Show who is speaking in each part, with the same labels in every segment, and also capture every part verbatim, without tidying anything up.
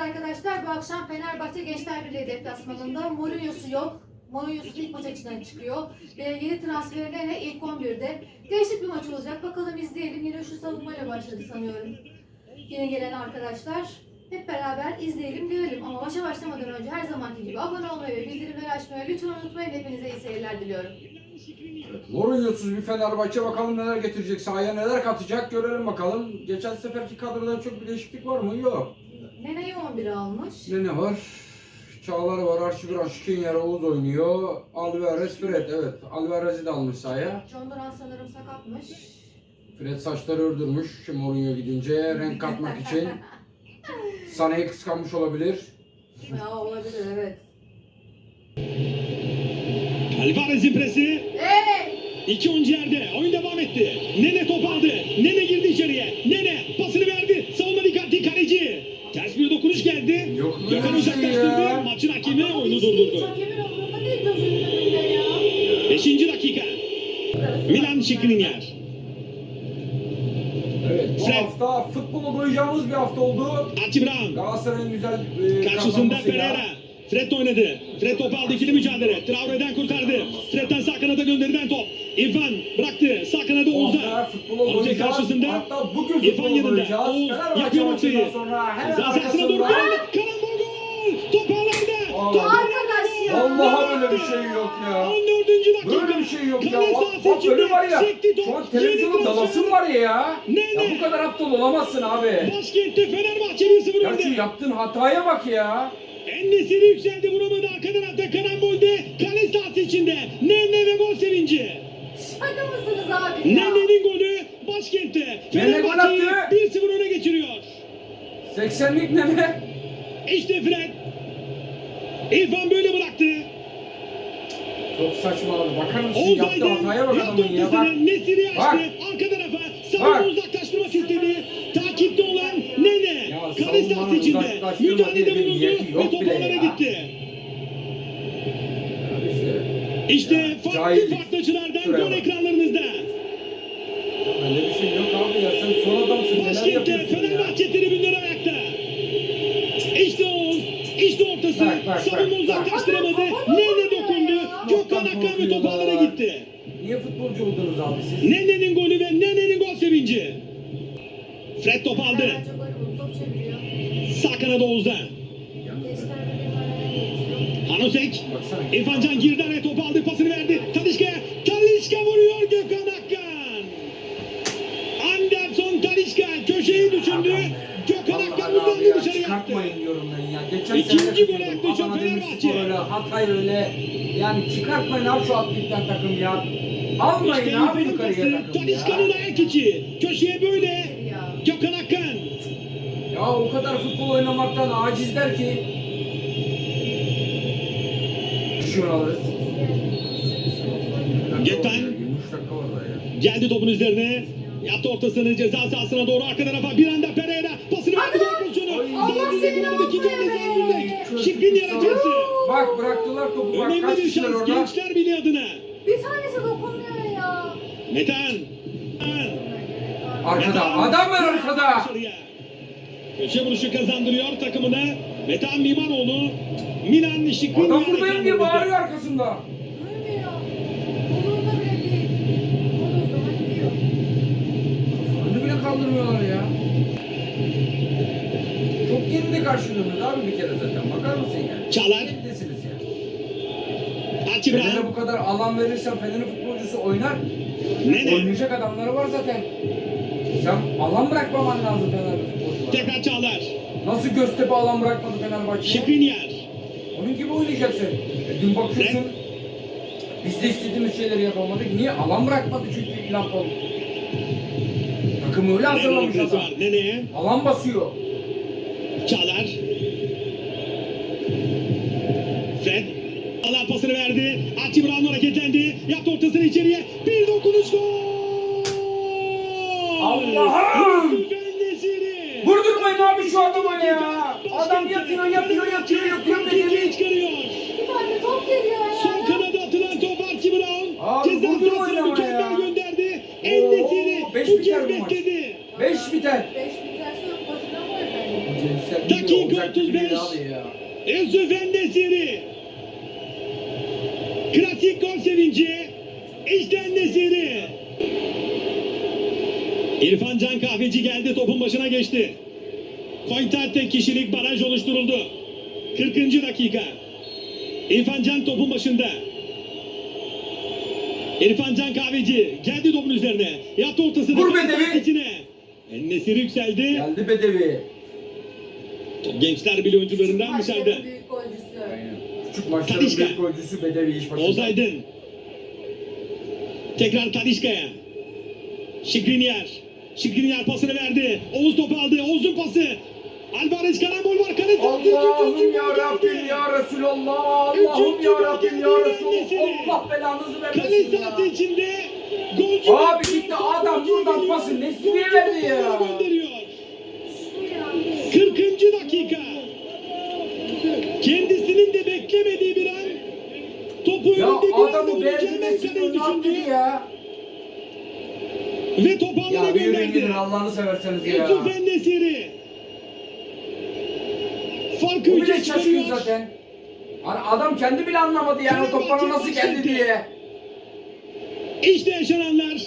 Speaker 1: arkadaşlar, bu akşam Fenerbahçe Gençler Birliği deplasmanında Mourinho'su yok. Mourinho'su ilk maç açısından çıkıyor. Ve yeni transferlerle ilk on birde. Değişik bir maç olacak. Bakalım izleyelim. Yine şu savunmayla başladı sanıyorum. Yeni gelen arkadaşlar. Hep beraber izleyelim, görelim. Ama maça başlamadan önce her zamanki gibi abone olmayı ve bildirimleri açmayı lütfen unutmayın. Hepinize iyi seyirler diliyorum.
Speaker 2: Evet, Mourinho'suz bir Fenerbahçe, bakalım neler getirecek, sahaya neler katacak görelim bakalım. Geçen seferki kadroda çok bir değişiklik var mı? Yok.
Speaker 1: Nene'yi on bire almış.
Speaker 2: Ne ne var? Çağlar var, Arşiviran, Şikrinyar, Oğuz oynuyor. Alvarez, Fred, evet. Alvarez'i de almış sahaya.
Speaker 1: John Duran sanırım sakatmış.
Speaker 2: Fred saçları ördürmüş Mourinho gidince renk katmak için. Sané'yi kıskanmış olabilir.
Speaker 1: Ya olabilir, evet.
Speaker 3: Alvarez'in presi.
Speaker 1: Hey!
Speaker 3: İki oyuncu yerde. Oyun devam etti. Nene top aldı. Nene girdi içeriye. Nene pasını verdi. Savunma dikkatli, kaleci. Ters bir dokunuş geldi.
Speaker 2: Yok mu
Speaker 3: Gökhan
Speaker 2: öyle bir şey
Speaker 3: uzaklaştırdı.
Speaker 2: ya?
Speaker 3: Maçın hakemi oyunu durdurdu.
Speaker 1: Hakemin umurunda değil, gözünün önünde ya.
Speaker 3: Beşinci dakika. Milan Skriniar.
Speaker 2: Evet, bu
Speaker 3: Fred.
Speaker 2: hafta futbola doyacağımız bir hafta oldu.
Speaker 3: Archie Brown.
Speaker 2: Galatasaray'ın güzel e,
Speaker 3: Karşısında
Speaker 2: kazanmasıyla.
Speaker 3: Pereira. Fred oynadı. Fred topu aldı, ikili mücadele. Traore'den kurtardı. Fred'den sağ kanada gönderilen top. İrfan bıraktı. Sağ kanada
Speaker 2: Bu hafta
Speaker 3: Oğuz'a.
Speaker 2: futbola
Speaker 3: Hoca
Speaker 2: doyacağız.
Speaker 3: karşısında.
Speaker 2: Hatta bugün
Speaker 3: İrfan
Speaker 2: futbola
Speaker 3: yanında.
Speaker 2: doyacağız.
Speaker 3: Oğuz
Speaker 2: Fenerbahçe
Speaker 3: yapıyor
Speaker 2: maçından
Speaker 3: ortayı.
Speaker 2: sonra hemen
Speaker 3: Ceza sahasına doğru
Speaker 2: arkasında.
Speaker 3: geldi. Karambol gol. Top ağlarda.
Speaker 2: Allah.
Speaker 1: Arkadaş ya.
Speaker 2: Vallahi böyle bir şey yok ya.
Speaker 3: on dördüncü dakika.
Speaker 2: Böyle bir şey yok ya.
Speaker 3: Kale
Speaker 2: Bak,
Speaker 3: sahası
Speaker 2: bak
Speaker 3: içinde
Speaker 2: böyle var ya.
Speaker 3: sekti top.
Speaker 2: Şu an
Speaker 3: Yeni
Speaker 2: televizyonun
Speaker 3: transfer.
Speaker 2: dalasın var ya ya.
Speaker 3: Ne,
Speaker 2: Ya
Speaker 3: ne?
Speaker 2: bu kadar aptal olamazsın abi.
Speaker 3: Başkentte Fenerbahçe bir sıfır
Speaker 2: Ya şu
Speaker 3: önde.
Speaker 2: yaptığın hataya bak ya.
Speaker 3: En-Nesyri yükseldi, vuramadı, arka tarafta karambolde, kale sahası içinde Nene ve gol sevinci.
Speaker 1: Şaka mısınız abi ya?
Speaker 3: Nene'nin golü başkentte
Speaker 2: Nene gol
Speaker 3: Fenerbahçe'yi
Speaker 2: attı.
Speaker 3: bir sıfır öne geçiriyor.
Speaker 2: seksenlik ne mi?
Speaker 3: İşte Fred. İrfan böyle bıraktı.
Speaker 2: Çok saçma abi. Bakar mısın
Speaker 3: Oğuz
Speaker 2: yaptığı
Speaker 3: Aydın
Speaker 2: hataya bak
Speaker 3: yaptı
Speaker 2: adamın ya. Bak.
Speaker 3: ortasını, Nesiri açtı,
Speaker 2: Bak.
Speaker 3: arka tarafa savunma
Speaker 2: Bak.
Speaker 3: uzaklaştırmak istedi. Takipte olan Nene,
Speaker 2: Ya
Speaker 3: kale sahası
Speaker 2: savunmanın
Speaker 3: içinde
Speaker 2: uzaklaştırma
Speaker 3: müdahalede
Speaker 2: diye bir
Speaker 3: bulundu
Speaker 2: niyeti yok
Speaker 3: ve top
Speaker 2: bile
Speaker 3: onlara
Speaker 2: ya.
Speaker 3: gitti.
Speaker 2: İşte.
Speaker 3: İşte
Speaker 2: Ya,
Speaker 3: farklı
Speaker 2: cahillik.
Speaker 3: farklı açılardan
Speaker 2: Şuraya
Speaker 3: gol
Speaker 2: bak.
Speaker 3: ekranlarınızda.
Speaker 2: Öyle bir şey yok abi ya. Sen son adamsın. Neler
Speaker 3: Başkentte
Speaker 2: yapıyorsun ya?
Speaker 3: Fenerbahçe tribünleri ayakta. İşte Oğuz, işte ortası.
Speaker 2: Bak, bak,
Speaker 3: Savunma
Speaker 2: bak,
Speaker 3: uzaklaştıramadı.
Speaker 1: bak.
Speaker 3: Nene dokundu. Gökhan
Speaker 2: Toptan
Speaker 3: Akkan ve top ağlara
Speaker 2: korkuyorlar.
Speaker 3: gitti.
Speaker 2: Niye futbolcu oldunuz abi siz?
Speaker 3: Nene'nin golü ve Nene'nin gol sevinci. Fred top aldı.
Speaker 1: Bence golü buldu, top çeviriyor.
Speaker 3: Sağ kanada Oğuz'da.
Speaker 1: Gençler Birliği haline getiriyor.
Speaker 3: Hanosek.
Speaker 2: Baksana.
Speaker 3: İrfan Can girdi araya, topu aldı, pasını verdi. Talişka'ya. Talişka vuruyor, Gökhan Akkan. Anderson Talişka köşeyi düşündü. Gökhan Akkan
Speaker 2: Vallahi abi
Speaker 3: uzandı,
Speaker 2: ya,
Speaker 3: dışarı yaptı.
Speaker 2: çıkartmayın diyorum ben ya. Geçen
Speaker 3: İkinci
Speaker 2: sene de
Speaker 3: gole
Speaker 2: kızıyordum.
Speaker 3: yaklaşan
Speaker 2: Adana
Speaker 3: Fenerbahçe.
Speaker 2: Demirspor öyle, Hatay öyle. Yani çıkartmayın abi şu atletten takım ya. Almayın
Speaker 3: İşte
Speaker 2: abi
Speaker 3: İrfan'ın
Speaker 2: yukarıya
Speaker 3: pası,
Speaker 2: takım
Speaker 3: Talişka'nın
Speaker 2: ya.
Speaker 3: ayak içi. Köşeye böyle.
Speaker 1: Ya.
Speaker 3: Gökhan Akkan.
Speaker 2: Ya o kadar futbol oynamaktan acizler ki. Şunu alırız.
Speaker 3: Gökhan.
Speaker 2: yirmi üç dakika var daha ya.
Speaker 3: Geldi topun üzerine. Yaptı ortasını ceza sahasına doğru, arka tarafa bir anda Pereira pasını verdi, gol pozisyonu.
Speaker 2: Ay.
Speaker 3: Allah
Speaker 1: seni ne yapıyor be?
Speaker 3: Şikrin yaratacaktı.
Speaker 2: Bak bıraktılar topu, bak
Speaker 3: Önemli
Speaker 2: kaç
Speaker 3: bir
Speaker 2: kişiler
Speaker 3: şans
Speaker 2: orada.
Speaker 3: Gençler Birliği adına.
Speaker 1: Bir tanesi dokunmuyor ya.
Speaker 3: Metan.
Speaker 2: Arkada adam var arkada.
Speaker 3: Dışarıya. Köşe vuruşu kazandırıyor takımına. Metan Mimanoğlu. Milan Şikrin
Speaker 2: Adam buradayım diye bağırıyor arkasında.
Speaker 1: Duymuyor. Umurunda bile değil. O da o zaman gidiyor.
Speaker 2: Önünü bile kaldırmıyorlar ya. Çok geride karşılıyorsunuz abi bir kere zaten. Bakar mısın yani?
Speaker 3: Çağlar.
Speaker 2: Geridesiniz ya.
Speaker 3: Archie
Speaker 2: Fener'e
Speaker 3: Brown.
Speaker 2: bu kadar alan verirsen Fener'in futbolcusu oynar.
Speaker 3: Nene.
Speaker 2: Oynayacak adamları var zaten. Sen alan bırakmaman lazım Fener'de futbolculara.
Speaker 3: Tekrar Çağlar.
Speaker 2: Nasıl Göztepe alan bırakmadı Fenerbahçe'ye?
Speaker 3: Şikrinyar.
Speaker 2: Onun gibi oynayacaksın. E, dün bakıyorsun. Biz de istediğimiz şeyleri yapamadık. Niye? Alan bırakmadı çünkü İlhan Palut. Takımı öyle hazırlamış
Speaker 3: Nene'nin
Speaker 2: adam.
Speaker 3: var. Nene.
Speaker 2: Alan basıyor.
Speaker 3: Çağlar. Fred. Allah pasını verdi. Archie Brown hareketlendi. Yaptı ortasını içeriye. Bir dokunuş gol.
Speaker 2: Allah'ım!
Speaker 3: En-Nesyri.
Speaker 2: Vurdurmayın abi şu adama ya. Adam yatıyor, yatıyor, yatıyor, yatıyor.
Speaker 3: Rakibi
Speaker 2: Bedeli.
Speaker 3: çıkarıyor.
Speaker 1: Bir tane top geliyor ya.
Speaker 3: Son kanada atılan top Archie Brown.
Speaker 2: Abi
Speaker 3: Ceza
Speaker 2: vurdurmayın
Speaker 3: sahasına
Speaker 2: ama
Speaker 3: mükemmel
Speaker 2: ya.
Speaker 3: gönderdi. En-Nesyri
Speaker 2: Oo, beş
Speaker 3: bu
Speaker 2: biter
Speaker 3: kez
Speaker 2: bu maç.
Speaker 3: bekledi.
Speaker 2: Beş biter.
Speaker 1: Beş biterse yok. Boşuna mı efendim?
Speaker 2: gençler
Speaker 3: Dakika
Speaker 2: bilmiyor, olacak gibi
Speaker 3: otuz beş.
Speaker 2: değil abi ya.
Speaker 3: Yusuf En-Nesyri. Klasik gol sevinci. İşte En-Nesyri. İrfan Can Kahveci geldi, topun başına geçti. Koytar tek kişilik baraj oluşturuldu. kırkıncı dakika. İrfan Can topun başında. İrfan Can Kahveci geldi topun üzerine. Yaptı ortasını.
Speaker 2: Vur Bedevi.
Speaker 3: İçine. En-Nesyri yükseldi.
Speaker 2: Geldi Bedevi.
Speaker 3: Top Gençler Birliği oyuncularından dışarıda.
Speaker 1: Maçların büyük golcüsü.
Speaker 2: Aynen. Küçük maçların
Speaker 3: Talisca.
Speaker 2: büyük golcüsü Bedevi iş başında.
Speaker 3: Oğuz Aydın. Tekrar Talisca'ya. Şikriniyar. Şikriniyar pasını verdi. Oğuz topu aldı. Oğuz'un pası. Alvarez karambol var. Kale sahası.
Speaker 2: Allah'ım ya Rabbim ya Resulallah. Allah'ım ya Rabbim ya Resulallah. Allah belanızı
Speaker 3: Kale
Speaker 2: vermesin
Speaker 3: sahası
Speaker 2: ya.
Speaker 3: içinde. Golcü.
Speaker 2: Abi gitti adam buradan pası Nesli'ye verdi ya.
Speaker 3: Gönderiyor.
Speaker 1: Şu ya.
Speaker 3: kırkıncı dakika. Kendisinin de beklemediği bir an. Topu
Speaker 2: Ya
Speaker 3: önünde bir anda
Speaker 2: adamı verdi
Speaker 3: bulacağını
Speaker 2: Nesli'ye
Speaker 3: kaleyi
Speaker 2: ne yaptı
Speaker 3: düşündü.
Speaker 2: ya?
Speaker 3: Ve topu alana
Speaker 2: Ya bir yürüyün
Speaker 3: gönderdi.
Speaker 2: gidin Allah'ını severseniz ya.
Speaker 3: Yusuf En-Nesyri. Farkı
Speaker 2: O
Speaker 3: üçe
Speaker 2: bile şaşkın
Speaker 3: çıkarıyor.
Speaker 2: zaten. Hani adam kendi bile anlamadı yani o top bana nasıl geldi diye.
Speaker 3: İşte yaşananlar.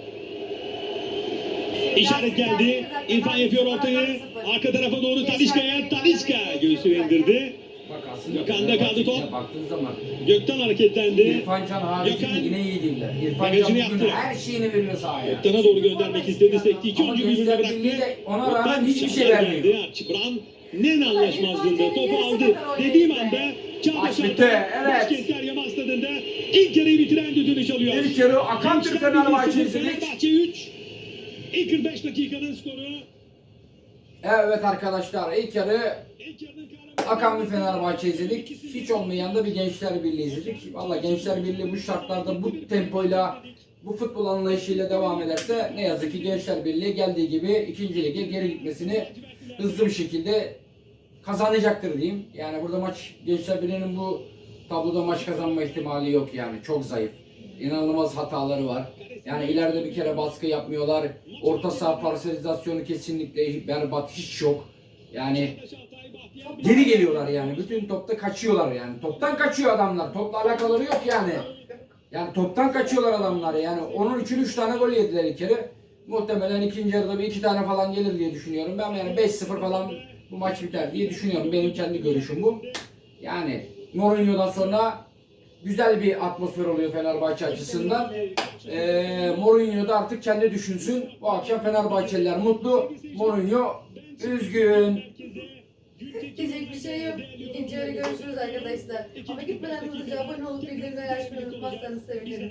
Speaker 3: İşaret geldi. İrfan yapıyor ortayı. Arka tarafa doğru Talisca'ya. Talisca göğsünü indirdi.
Speaker 2: Bak aslında
Speaker 3: Gökhan'da kaldı top.
Speaker 2: baktığın zaman
Speaker 3: Gökten hareketlendi.
Speaker 2: İrfan Can haricinde
Speaker 3: Gökhan
Speaker 2: yine iyi değiller. İrfan
Speaker 3: bagajını
Speaker 2: Can bugün
Speaker 3: yaptı.
Speaker 2: her şeyini veriyor sahaya.
Speaker 3: Gökten'e doğru göndermek istedi. Sekti. İki
Speaker 2: Ama
Speaker 3: oyuncu birbirine
Speaker 2: Gençler
Speaker 3: bıraktı.
Speaker 2: Birliği de ona rağmen
Speaker 3: Gökten
Speaker 2: hiçbir şey
Speaker 3: çiftler
Speaker 2: vermiyor.
Speaker 3: geldi. Archibran Nen anlaşmazlığında topu aldı. Dediğim anda Çağdaş
Speaker 2: Maç bitti,
Speaker 3: Altan
Speaker 2: evet.
Speaker 3: Başkentler Yama Stadı'nda ilk yarıyı bitiren düdüğünü çalıyor.
Speaker 2: İlk yarı akan bir
Speaker 3: Gençler
Speaker 2: Fenerbahçe
Speaker 3: Birliği sıfır,
Speaker 2: izledik.
Speaker 3: Fenerbahçe üç. İlk kırk beş dakikanın skoru.
Speaker 2: Evet arkadaşlar ilk yarı
Speaker 3: İlk yarının kahramanı-
Speaker 2: akan bir Fenerbahçe izledik. Hiç olmayan da bir Gençler Birliği izledik. Valla Gençler Birliği bu şartlarda bu tempoyla bu futbol anlayışıyla devam ederse ne yazık ki Gençler Birliği geldiği gibi ikinci lige geri gitmesini hızlı bir şekilde kazanacaktır diyeyim. Yani burada maç Gençler Birliği'nin bu tabloda maç kazanma ihtimali yok yani. Çok zayıf. İnanılmaz hataları var. Yani ileride bir kere baskı yapmıyorlar. Orta saha parselizasyonu kesinlikle berbat, hiç yok. Yani geri geliyorlar yani. Bütün topta kaçıyorlar yani. Toptan kaçıyor adamlar. Topla alakaları yok yani. Yani toptan kaçıyorlar adamlar yani. Onun için üç tane gol yediler ilk kere. Muhtemelen ikinci yarıda bir iki tane falan gelir diye düşünüyorum. Ben yani beş sıfır falan bu maç biter diye düşünüyorum. Benim kendi görüşüm bu. Yani Mourinho'dan sonra güzel bir atmosfer oluyor Fenerbahçe açısından. Ee, Mourinho da artık kendi düşünsün. Bu akşam Fenerbahçeliler mutlu. Mourinho üzgün.
Speaker 1: Diyecek bir şey yok. İkinci yarı görüşürüz arkadaşlar. Ama gitmeden hızlıca abone olup bildirimleri açmayı unutmazsanız sevinirim.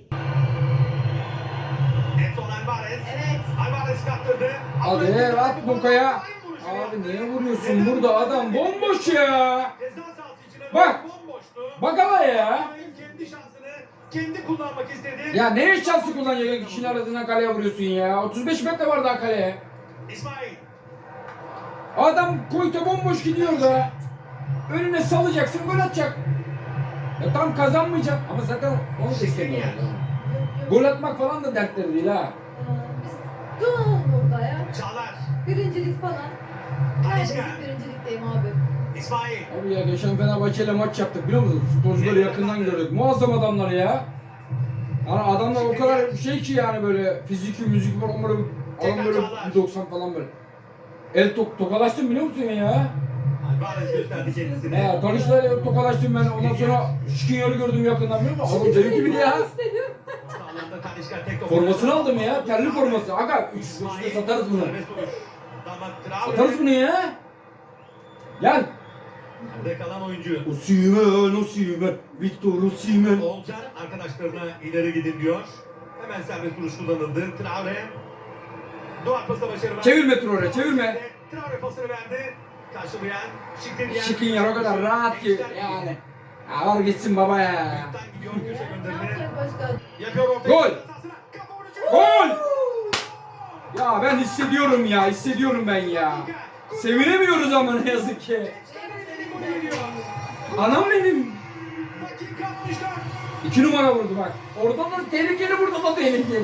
Speaker 4: Edson Alvarez.
Speaker 1: Evet.
Speaker 4: Alvarez kaptırdı.
Speaker 2: Hadi at Boka'ya. Abi niye vuruyorsun burada adam bomboş ya.
Speaker 4: Ceza sahası içine
Speaker 2: Bak.
Speaker 4: bomboştu.
Speaker 2: Bak ama ya.
Speaker 4: Kendi şansını kendi kullanmak istedi.
Speaker 2: Ya ne şansı kullanacak kişinin arasına kaleye vuruyorsun ya. otuz beş metre var daha kaleye.
Speaker 4: İsmail.
Speaker 2: Adam koyta bomboş gidiyor da. Önüne salacaksın gol atacak. Ya tam kazanmayacak ama zaten onu da istemiyor.
Speaker 1: Yok, yok.
Speaker 2: Gol atmak falan da dertleri değil ha.
Speaker 1: Aa, Biz duralım burada ya.
Speaker 4: Çağlar.
Speaker 1: Birincilik falan. Neredesin birincilikteyim abi.
Speaker 4: İsmail.
Speaker 2: Abi ya geçen Fenerbahçe ile maç yaptık biliyor musun? Futbolcuları yakından gördük. Muazzam adamlar ya. Yani adamlar o kadar şey ki yani böyle fiziki müzik var onları adam böyle bir doksan falan böyle. El tok tokalaştım biliyor musun ya?
Speaker 4: Alvarez gösterdi kendisini.
Speaker 2: He Tanış'la tokalaştım ben ondan sonra Şikiyar'ı gördüm yakından biliyor musun? Adam deli gibi ya.
Speaker 4: Sağlarında Tanişka tek top.
Speaker 2: Formasını aldım ya, terli forması. Aga üç üç satarız bunu.
Speaker 4: Serbest vuruş. Damat Traore.
Speaker 2: Satarız bunu ya. Gel.
Speaker 4: Nerede kalan oyuncu?
Speaker 2: Osimhen, Osimhen, Victor Osimhen.
Speaker 4: Oğulcan arkadaşlarına ileri gidin diyor. Hemen serbest vuruş kullanıldı. Traore. Duvar pası başarı var.
Speaker 2: Çevirme Traore, çevirme.
Speaker 4: Traore pasını verdi. Karşılayan Şikriniyar.
Speaker 2: Şikiyar o kadar rahat ki yani. Ya var gitsin baba ya.
Speaker 4: Ayaktan gidiyor köşe
Speaker 1: Ne
Speaker 4: gönderme.
Speaker 1: yapacak başkan?
Speaker 4: Yapıyor ortaya.
Speaker 2: Gol!
Speaker 4: Kafa vuruşu.
Speaker 2: Gol! Ya ben hissediyorum ya, hissediyorum ben ya. Sevinemiyoruz ama ne yazık ki.
Speaker 4: Gol geliyor.
Speaker 2: Anam benim.
Speaker 4: Dakika altmış dört.
Speaker 2: İki numara vurdu bak. Orada da tehlikeli, burada da tehlikeli.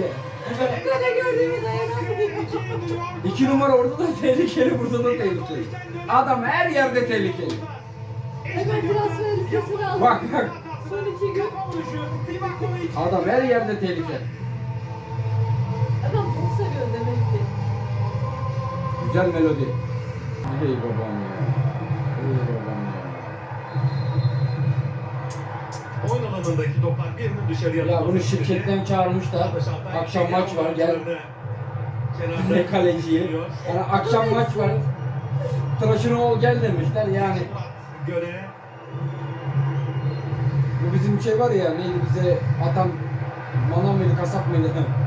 Speaker 1: Kale gördüğümü dayanamadım.
Speaker 2: İki numara orada da tehlikeli, burada da tehlikeli. Adam her yerde tehlikeli.
Speaker 1: Hemen transfer listesini aldım.
Speaker 2: Bak bak.
Speaker 1: Son iki gün.
Speaker 2: Adam her yerde tehlikeli.
Speaker 1: Adam çok seviyor demek ki.
Speaker 2: Güzel melodi. Hey babam ya. Hey babam ya.
Speaker 4: Oyun alanındaki toplar birinin dışarıya
Speaker 2: Ya bunu
Speaker 4: atılması
Speaker 2: şirketten çağırmışlar. Akşam maç var, gel. Ne kaleciyi. Yani akşam maç var. Tıraşını ol gel demişler yani.
Speaker 4: Göre
Speaker 2: Bu bizim şey var ya, neydi bize atan manav mıydı, kasap mıydı?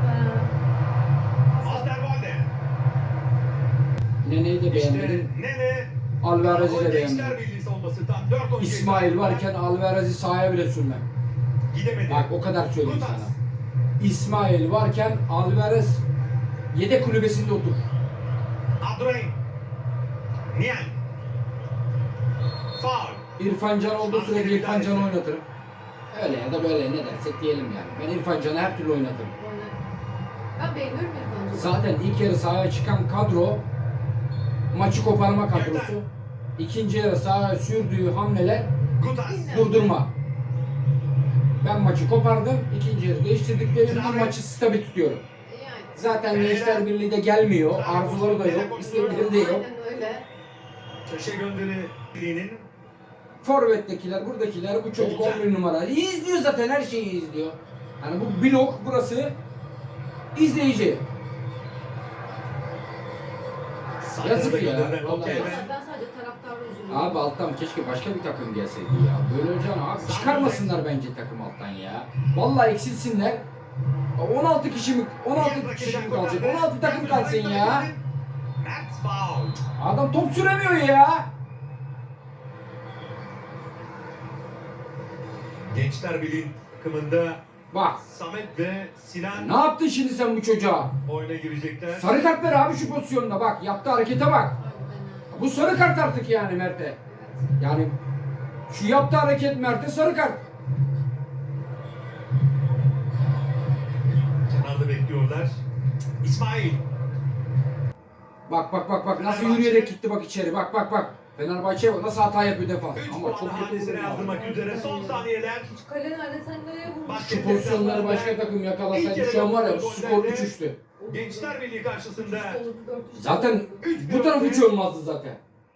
Speaker 4: Osterwolde.
Speaker 2: Nene'yi de
Speaker 4: İşte
Speaker 2: beğenmedim.
Speaker 4: Nene.
Speaker 2: Alvarez'i de
Speaker 4: Gençler
Speaker 2: beğenmedim.
Speaker 4: Birliği savunması tam dört oyuncu.
Speaker 2: İsmail varken Alvarez'i sahaya bile sürmem.
Speaker 4: Gidemedi.
Speaker 2: Bak o kadar söyleyeyim
Speaker 4: Kutas.
Speaker 2: sana. İsmail varken Alvarez yedek kulübesinde otur.
Speaker 4: Abdurrahim. Niang. Faul.
Speaker 2: İrfan Can olduğu sürece İrfan Can'ı oynatırım. Öyle ya da böyle ne dersek diyelim yani. Ben İrfan Can'ı her türlü oynatırım.
Speaker 1: Ben beğeniyorum İrfan'cığım.
Speaker 2: Zaten ilk yarı sahaya çıkan kadro maçı koparma kadrosu. İkinci yarı sahaya sürdüğü hamleler
Speaker 4: Kutas.
Speaker 2: durdurma. Ben maçı kopardım. İkinci yarı değiştirdiklerimden maçı stabil tutuyorum.
Speaker 1: Yani.
Speaker 2: Zaten Gençler Birliği de gelmiyor. Arzuları da yok. istekleri de yok.
Speaker 1: Aynen öyle.
Speaker 4: Köşe gönderi birliğinin
Speaker 2: Forvet'tekiler, buradakiler, bu çocuk on bir numara. İzliyor zaten, her şeyi izliyor. Yani bu blok burası izleyici. Yazık ya, vallahi.
Speaker 1: Ben sadece taraftarı üzülüyorum.
Speaker 2: Abi alttan keşke başka bir takım gelseydi ya. Böyle olacağını abi çıkarmasınlar bence takım alttan ya. Vallahi eksilsinler. on altı kişi mi, on altı kişi mi kalacak? on altı takım kalsın ya.
Speaker 4: Mert faul.
Speaker 2: Adam top süremiyor ya.
Speaker 4: Gençler Birliği takımında
Speaker 2: Bak.
Speaker 4: Samet ve Sinan
Speaker 2: Ne yaptın şimdi sen bu çocuğa?
Speaker 4: oyuna girecekler.
Speaker 2: Sarı kart ver abi şu pozisyonuna bak. Yaptığı harekete bak.
Speaker 1: Aynen.
Speaker 2: Bu sarı kart artık yani Mert'e. Yani şu yaptığı hareket Mert'e sarı kart.
Speaker 4: Kenarda bekliyorlar. İsmail.
Speaker 2: Bak bak bak bak nasıl yürüyerek gitti bak içeri. Bak bak bak. Fenerbahçe'ye bak nasıl hata yapıyor defans.
Speaker 4: üç
Speaker 2: Ama
Speaker 4: puan
Speaker 2: çok kötü
Speaker 4: hanesine
Speaker 2: vuruyor.
Speaker 4: yazdırmak üzere son saniyeler.
Speaker 1: Şu kale nerede sen nereye vurmuşsun?
Speaker 4: Bak-
Speaker 2: Şu pozisyonları başka takım yakalasaydı şu an var ya skor üç üçtü.
Speaker 4: Gençler Birliği karşısında
Speaker 2: Zaten bu taraf hiç olmazdı zaten.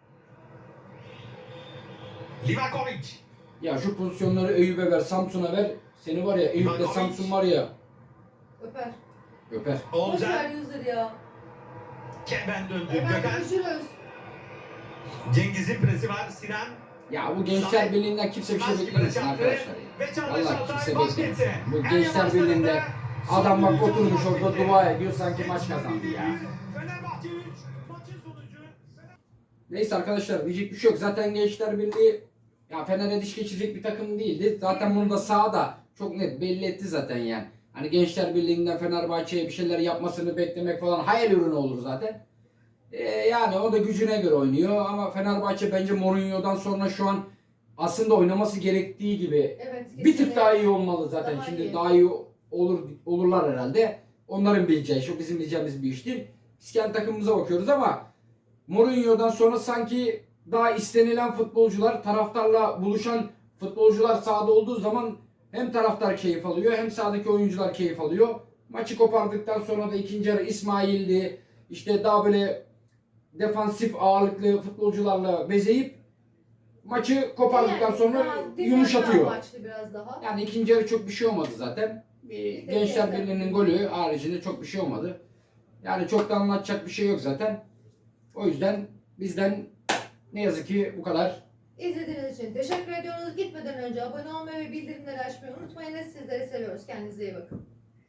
Speaker 4: Livakovic.
Speaker 2: Ya şu pozisyonları Eyüp'e ver, Samsun'a ver. Seni var ya Eyüp'le Samsun var ya
Speaker 1: Öper.
Speaker 2: öper.
Speaker 1: Boş
Speaker 4: Olcay.
Speaker 1: ver yüzleri ya.
Speaker 4: Kemen döndü.
Speaker 1: Hemen
Speaker 4: Gökhan.
Speaker 1: görüşürüz.
Speaker 4: Cengiz'in presi var. Sinan.
Speaker 2: Ya bu Gençler Birliği'nden kimse bir şey beklemesin arkadaşlar ya. Vallahi kimse beklemesin. Bu Gençler Birliği'nde adam bak oturmuş orada dua ediyor sanki maç kazandı ya.
Speaker 4: Fenerbahçe üç. Maçın sonucu.
Speaker 2: Neyse arkadaşlar diyecek bir şey yok. Zaten Gençler Birliği ya Fener'e diş geçirecek bir takım değildi. Zaten bunu da sahada çok net belli etti zaten yani. Hani Gençler Birliği'nden Fenerbahçe'ye bir şeyler yapmasını beklemek falan hayal ürünü olur zaten. Ee, yani o da gücüne göre oynuyor ama Fenerbahçe bence Mourinho'dan sonra şu an aslında oynaması gerektiği gibi
Speaker 1: Evet.
Speaker 2: bir tık daha iyi olmalı zaten.
Speaker 1: Daha
Speaker 2: Şimdi
Speaker 1: iyi.
Speaker 2: daha iyi olur olurlar herhalde. Onların bileceği iş, o bizim bileceğimiz bir iş değil. Biz kendi takımımıza bakıyoruz ama Mourinho'dan sonra sanki daha istenilen futbolcular, taraftarla buluşan futbolcular sahada olduğu zaman hem taraftar keyif alıyor hem sahadaki oyuncular keyif alıyor. Maçı kopardıktan sonra da ikinci yarı İsmail'di. İşte daha böyle defansif ağırlıklı futbolcularla bezeyip maçı kopardıktan
Speaker 1: Yani
Speaker 2: sonra
Speaker 1: daha
Speaker 2: yumuşatıyor.
Speaker 1: amaçlı biraz daha.
Speaker 2: Yani ikinci yarı çok bir şey olmadı zaten. Bir Gençler Birliği'nin golü haricinde çok bir şey olmadı. Yani çok da anlatacak bir şey yok zaten. O yüzden bizden ne yazık ki bu kadar.
Speaker 1: İzlediğiniz için teşekkür ediyoruz. Gitmeden önce abone olmayı ve bildirimleri açmayı unutmayın. Sizleri seviyoruz. Kendinize iyi bakın.